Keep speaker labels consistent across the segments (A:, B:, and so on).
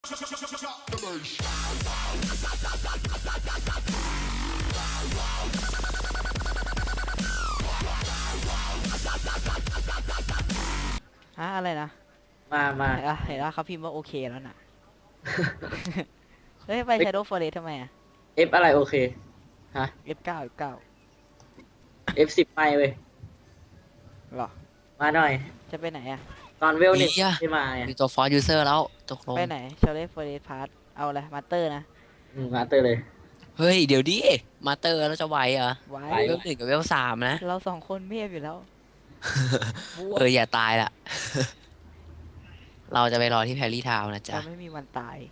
A: อะไรนะ
B: มา
A: เห็นว่าเขาพิมพ์ว่าโอเคแล้วน่ะ เฮ้ยไป Shadow Forest ทำไมอ่ะ
B: F อะไรโอเคฮะ
A: F9 F9
B: F10ไม่เว้ย
A: หรอ
B: มาหน่อย
A: จะไปไหนอ่ะ
B: ตอนเวลหนึ่ง
C: อีอะ
B: ไม่มาไง
C: มีตัวฟอร์ยูเซอร์แล้วตกลง
A: ไปไหน Shadow Forest Part เอาอะไรมาเตอร์นะ
B: มาเตอร์เลย
C: เฮ้ยเดี๋ยวดิมาเตอร์แล้วจะไหวเหรอ
A: ไว้
B: ไป
C: เวล1กับเวล3นะ
A: เราสองคนเมียบอยู่แล้วบวก
C: อย่าตายละเราจะไปรอที่แพรรี่ทาวน์นะจ๊ะ
A: เราไม่มีวันตาย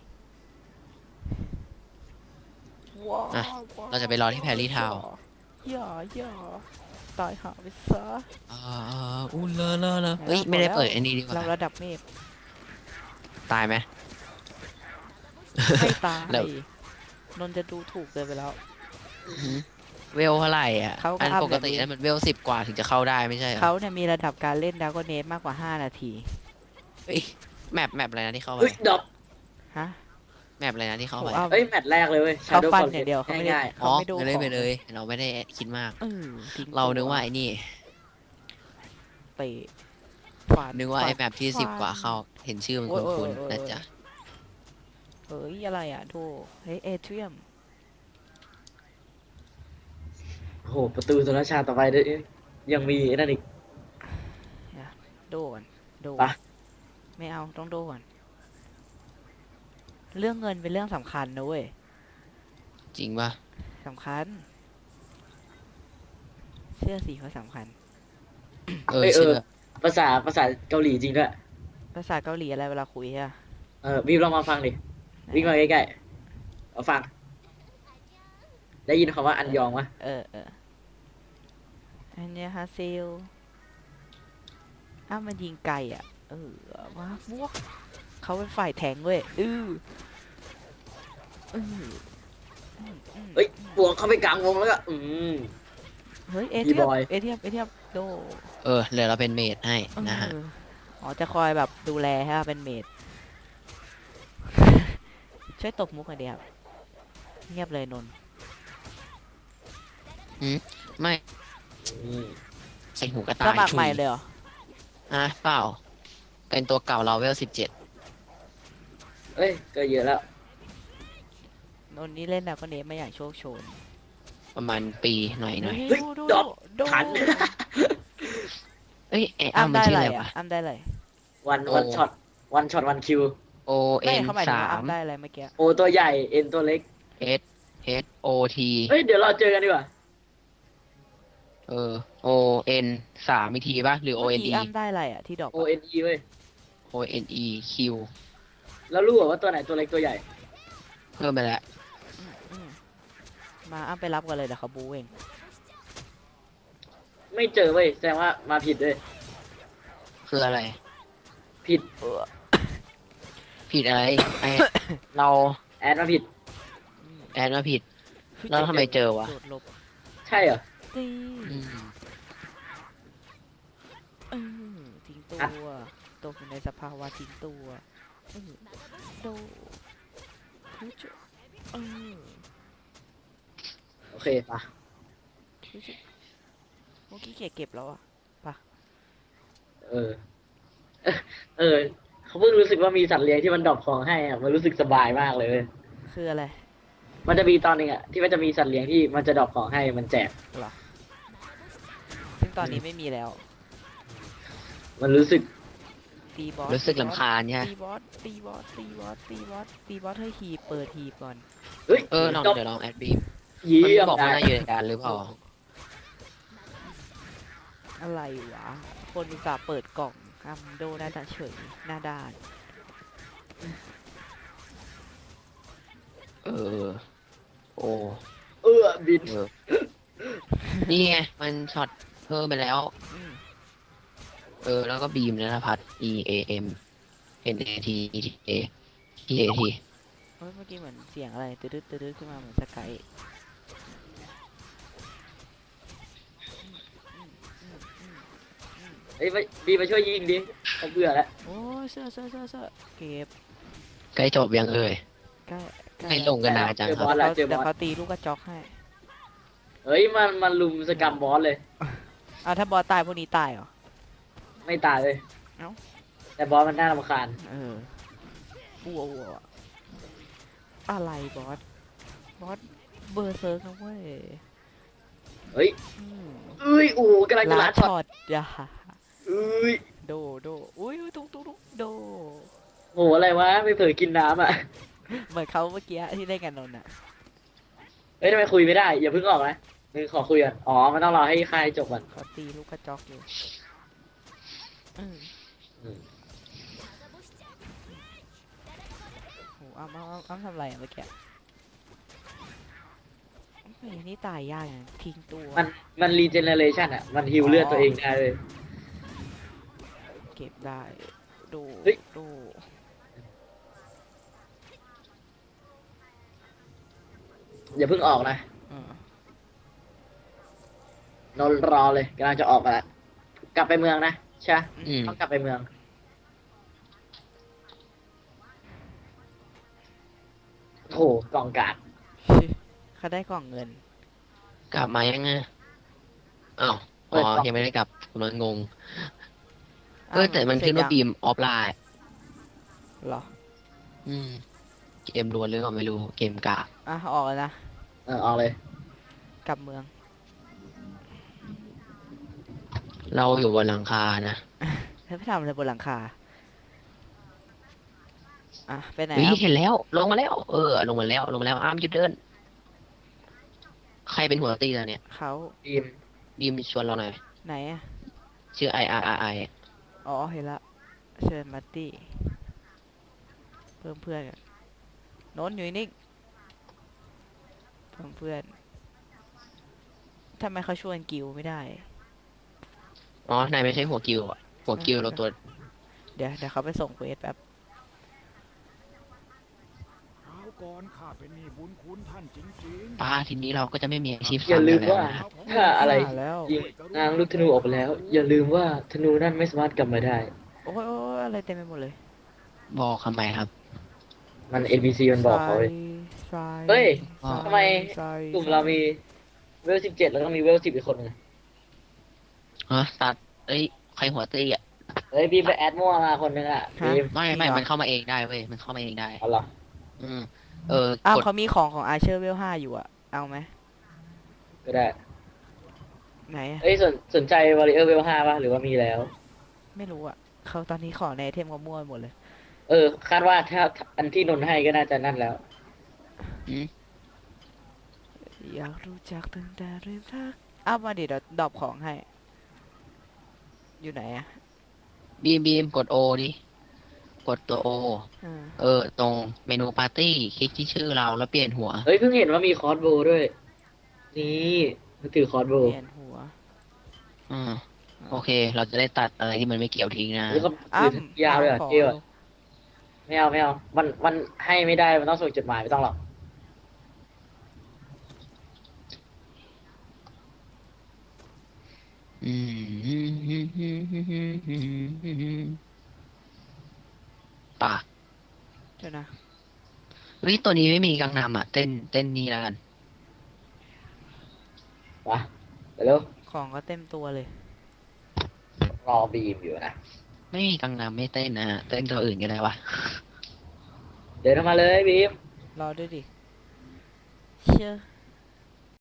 A: ว้า
C: อ่ะ เราจะไปรอที่แพรรี่ทาวน์
A: อย่าตายหาไปซะ
C: อุ้นเลอะเฮ้ยไม่ได้เปิดอันนี้ดีกว่า
A: เราระดับเมฆ
C: ตายไหม
A: ไม่ตาย
C: แล้ว
A: นนท์จะดูถูกเกินไปแล้ว
C: เวลเท่าไหร่อ่ะ
A: เขาก็
C: อัน
A: อัพ
C: ปกติ
A: แบบนี้
C: นั้นมันเวล10กว่าถึงจะเข้าได้ไม่ใช่เหรอ
A: เขาเนี่ยมีระดับการเล่นดราก้อนเนสมากกว่า 5 นาที
C: เฮ้ยแมปอะไรนะที่เข้าไป
B: เฮ้ยดรอป
A: ฮะ
C: แมปอะไรนะที่เข้าไป
A: โอ้เอา
B: เอ้ยแมตช์แรกเลยเว้ย
A: เขา
B: Shadow
A: ฟัน
B: Forest
A: อย่างเดียวเขาไม่ได้
B: ง่าย
C: อ๋อ
A: เขาไม่ดู
C: ไปเลย
A: ของ
C: ไปเลยเราไม่ได้คิดมาก
A: ทิ้ง
C: เรา
A: ตัว
C: นึกว่าไอ้นี่
A: เตะฟัน
C: นึกว่าไอ้
A: ฟัน
C: แมปที่10กว่าเข้าเห็นชื่อมัน
A: โอ้ย
C: คุ้น
A: โอ้ย
C: ๆนะจ๊ะ
A: เฮ้ยอะไรอ่ะโธ่เฮ้ยเอเทียม
B: ๆโอ้โหประตูสุนทรชาติต่อไปด้วยยังมีไอ้นั่นอีก
A: โดก่อนโด
B: ไป
A: ไม่เอาต้องโดก่อนเรื่องเงินเป็นเรื่องสำคัญนะเว้ย
C: จริงป่ะ
A: สำคัญ เชื่อสิว่าสำคัญ
C: เชื่อ
B: ภาษาเกาหลีจริงด้วย
A: ภาษาเกาหลีอะไรเวลาคุยอะ
B: วิวลองมาฟังดิวิ่งมาใกล้ๆเอาฟัง ได้ยินคำว่าอันยองวะ
A: อันเนี้ยฮะเซลมันยิงไกลอ่ะว้าบวกเขาเป็นฝ่ายแทงเว้ยอือ
B: เฮ้ยบวกเข้าไปกลางวงแล้วก็
A: เฮ้ยเอ
B: พี่
A: เทีย
B: บอย
A: เอเทียเอเทียโด
C: เดี๋ยวเราเป็นเมดให้นะฮะ
A: อ๋อจะคอยแบบดูแลฮะเป็นเมด ช่วยตบมุกหน่อยเดียวเงียบเลยนนท์
C: ไม่ใส่หูกระ
A: ส
C: ต่าย
A: มัคร
C: ชุ
A: ใหม่
C: ย
A: เลยเหรอ
C: เปล่า เป็นตัวเก่าเราเวล17
B: เอ้ยก็เยอะแล้ว
A: นนท์นี่เล่นแล้วก็เนฟไม่อย่างโชคโชน
C: ประมาณปีหน่อย
B: เฮ้ย
A: ดู
B: ดรอป
A: ดู
B: ทัน
C: เอ้ยอ้ำมัน
A: ได้
C: ชื่อ
A: อะไร
C: อะไรวะ
A: อ่ะได้อะไร
B: วันช็อตวันคิว
C: O
A: ไม่
C: N
A: เขาหมายถึงว่า
C: 3
A: ได้อะไรเมื่อกี้
B: โอตัวใหญ่เอ็นตัวเล็ก
C: S H O T
B: เฮ้ยเดี๋ยวเราเจอกันดีกว่า
C: O N 3อีกทีป่ะหรือ O
A: เมื่อ
C: N
A: กี้
C: E
A: ได้อะไรอ่ะที่ดอก
B: O N E เว้ย
C: O N E Q
B: แล้วรู้เหรอว่าตัวไหนตัวเล็กตัวใหญ่
C: เพิ่มไปแล้ว
A: มาไปรับกันเลยเดี๋ยวเขาบูเอง
B: ไม่เจอเว้ยแสดงว่ามาผิดเลย
C: คืออะไร
B: ผิด
C: ผิดอะไรไอ เรา
B: แอดมาผิด
C: แอดมาผิด แล้วทำไมเจอวะ
A: โดดหลบ
B: ใช่เหรอ
A: ตี
C: อืม
A: ทิ้งตัว
B: อ่ะ
A: ตกอยู่ในสภาวะทิ้งตัวโดฮึจเ
B: โอเคปะ
A: ฮึจเมื่อกี้เก็บแล้วอ่ะ
B: เออเออเขาเพิ่งรู้สึกว่ามีสัตว์เลี้ยงที่มันดรอปของให้อ่ะมันรู้สึกสบายมากเลยเว้ย
A: คืออะไร
B: มันจะมีตอนหนึงอ่ะที่มันจะมีสัตว์เลี้ยงที่มันจะดรอปของให้มันแจก
A: เหรอ ซึ่งตอนนี้ไม่มีแล้ว
B: มันรู้สึก
A: ตีบอส
C: รู้สึกลำคาญใช่ไหม
A: ตีบอสให้หีบเปิดหีบก่อน
B: เฮ้ย
C: ลอง
B: ดรอป
C: เดี๋ยวลองแอดบีม
B: เยี่
C: มัน
B: ยม
C: บอกว่า
B: ได้
C: น่าอยู่ในการหรือเปล่า
A: อะไรวะ คนอุตส่าห์เปิดกล่องอัมโดหน้าตาเฉยหน้าด้าน
C: โอ้
B: บิน
C: นี่ไงมันช็อตเพิ่มไปแล้ว
A: อืม
C: แล้วก็บีมนภัทร E A M N A T E T A T A T
A: เมื่อกี้เหมือนเสียงอะไรตืดขึ้นมาเหมือนสกาย
B: เอ้ยบีมาช่วยยิงดิเขาเบื่อแล้ว
A: โอ้ยเสื้อเก็บ
C: ใกล้จบยังเอ่ย
A: ใกล้ใกล้
C: ให้ลงกันนานจัง
B: เจอ
C: ครับ
B: บอส
A: แล้
B: แล้ว วเจอ
A: เดี๋ยว
B: บอส
A: เขาตีลูกกระจอกให้
B: เฮ้ยมันลุมสกรรมบอสเลย
A: เอาถ้าบอสตายพวกนี้ตายเหรอ
B: ไม่ตายเลย
A: เอ้า
B: แต่บอสมันน่ารำคาญ
A: เอออัวอะไรบอส บอสเบอร์เซิร์กนะเว้ย
B: เฮ้ย
A: อืม
B: เอ้ยโอ้โหกำลังจะ
A: ลา
B: ลัดช็อต
A: ช็อตอย่า
B: เอ้ย
A: โดอุ้ยตุ๊กโด
B: โหอะไรวะไม่เผลอกินน้ำอ่ะ
A: เหมือนเขาเมื่อกี้ที่เล่นกันนนท์อ่ะ
B: เฮ้ยทำไมคุยไม่ได้อย่าเพิ่งออกนะนึงขอคุยก่อนอ๋อมันต้องรอให้ค่ายจบก่อน
A: เขาตีลูกกระจอกอยู่อืม
B: อืม
A: โหอ้ำทำอะไรอ่ะเมื่อกี้ไอ้ยนี่ตายยากอย่างทิ้งตัว
B: มันรีเจเนเรชันอ่ะมันฮิวเลือดตัวเองได้เลย
A: เก็บได้ดู
B: เฮ้ย
A: ดู
B: อย่าเพิ่งออกนะ
A: อืม
B: นอนรอเลยกำลังจะออกกันแล้วกลับไปเมืองนะใช่ปะ
C: อืม
B: ต้องกลับไปเมืองโถกล่องกาด
A: ชิเขาได้กล่องเงิน
C: กลับมายังไงอ้าว
B: เปิ
C: อ๋
B: ด
C: อก
B: ล่อง
C: ยังไม่ได้กลับกำลังงง
A: อ้าว
C: แต่มัน
A: เสร็
C: ขึ้
A: จ
C: นว่า
A: ยัง
C: บีมออฟไลน์
A: เหรอ
C: อืม เกมล้วนหรือเปล่าไม่รู้ เกมกาก
A: อ่ะออกแล้วนะ
B: ออกเลย
A: กลับเมือง
C: เราอยู่บนหลังคานะ
A: เธอไปทำอะไรบนหลังคา อ่ะไปไหน
C: วิ
A: อ่ะ
C: เห็นแล้ว ลงมาแล้ว ลงมาแล้วอ้ามหยุดเดิน ใครเป็นหัวตีแล้วเนี่ย
A: เขา
B: ทีม
C: บีมชวนเราหน่อย
A: ไหนอ่ะ
C: ชื่อI
A: อ๋อเห็นละเชิญมาร์ตี้เพิ่มเพื่อนกันโน้นอยู่นิ่งเพิ่มเพื่อนทำไมเขาชวนกิวไม่ได้
C: อ๋อนายไม่ใช่หัวกิวอะหัวกิวเราตัว
A: เดี๋ยวเขาไปส่งเควสแป๊บ
D: คราวก่อนข้าเป็นหนี้บุญคุณท่านจริง
C: ป้าทีนี้เราก็จะไม่มีอาชีพ
B: อย่า
C: ซ้ำ
B: ลื
C: กัน
B: ม
C: แล้ว
B: ว่า
C: นะ
B: ถ้าอะไร
A: มาแล้ว
B: ยิงนางลูกธนูออกไปแล้ว อย่าลืมว่าธนูนั่นไม่สามารถกลับมาได้
A: โอ้ยอะไรเต็มไปหมดเลย
C: บอกทำไมครับ
B: มัน NPC มันบอกเขาเลย
A: ทราย
B: เฮ้ย
A: ทราย
B: ทำไม
A: ทราย
B: กลุ่มเรามีเวล17แล้วก็มีเวล10อีกคนนึง
C: ฮะตัดเอ้ย ใครหัวตีอ่ะ
B: เฮ้ยบีมไปแอดมั่วมาคนนึงอ่ะบีม
C: ไม่มันเข้ามาเองได้เว้ย มันเข้ามาเองได้
B: เอาเหรอ
C: อืม
A: อ้าว
C: กด
A: เขามีของอาเชอร์เวล5อยู่อะเอาไหม
B: ก็ได้
A: ไหนอะ
B: เฮ้ยสนใจวอริเออร์เวล5ป่ะหรือว่ามีแล้ว
A: ไม่รู้อะเขาตอนนี้ขอในไอเทมเขามั่วหมดเลย
B: คาดว่าถ้าอันที่นนท์ให้ก็น่าจะนั่นแล้ว
C: อืม
A: อยากรู้จักตั้งแต่เริ่มทักอ้าวมาดิเดี๋ยวดรอปของให้ อยู่ไหนอะ
C: บีมกดโอดิ กดตัวโอ
A: อ่า
C: ตรงเมนูปาร์ตี้คลิกที่ชื่อเราแล้วเปลี่ยนหัว
B: เฮ้ยเพิ่งเห็นว่ามีคอร์สโบว์ด้วย นี่มันถือคอร์สโบ
A: เป
B: ว์
A: ลี่ยนหัว
C: อืม โอเค เราจะได้ตัดอะไรที่มันไม่เกี่ยวทิ้งนะ
B: แล้วก็
A: อ้า
B: ถือยาวเลยเหรอ
A: ขอ
B: เที่ยวไม่เอามันให้ไม่ได้มันต้องส่งจดหมายไม่ต้องหรอก
C: อืมป่ะ
A: เดี๋ยวนะ
C: เฮ้ยตัวนี้ไม่มีกังนำอ่ะ เต้นนี่แล้วกัน
B: วะเดี๋ยวเร็ว
A: ของก็เต็มตัวเลย
B: รอบีมอยู่นะ
C: ไม่มีกังนำไม่เต้นนะฮะเต้นตัวอื่นก็ได้วะ
B: เดินเข้ามาเลยบีม
A: รอด้วยดิ เชื่อ